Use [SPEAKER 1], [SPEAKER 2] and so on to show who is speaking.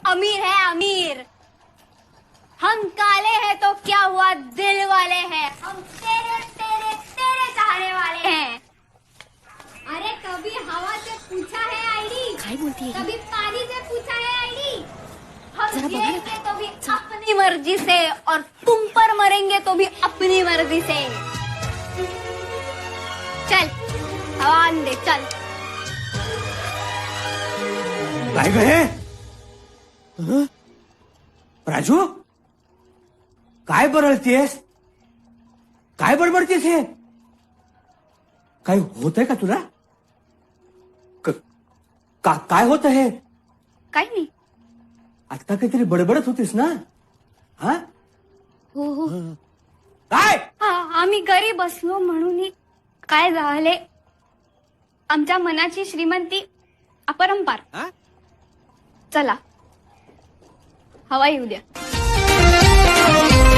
[SPEAKER 1] अमीर है अमीर। हम काले हैं तो क्या हुआ, दिल वाले हैं। हम तेरे तेरे तेरे चाहने वाले हैं। अरे कभी हवा से पूछा है आईडी,
[SPEAKER 2] काय बोलती है?
[SPEAKER 1] कभी पानी से पूछा है आईडी। हम
[SPEAKER 2] जरा बघा ना
[SPEAKER 1] जिएंगे तो भी अपनी मर्जी से, और तुम पर मरेंगे तो भी अपनी मर्जी से। चल हवा आन दे, चल।
[SPEAKER 3] काय गए राजू, काय बरळतीयस, काय बडबडतीस हे? काय होतंय का तुला? काय होत आहे?
[SPEAKER 1] काही नाही।
[SPEAKER 3] आता काहीतरी बडबडत होतीस ना? हा
[SPEAKER 1] हो हो
[SPEAKER 3] काय?
[SPEAKER 1] आम्ही घरी बसलो म्हणून काय झाले, आमच्या मनाची श्रीमंती अपरंपार। चला हवा येऊ द्या।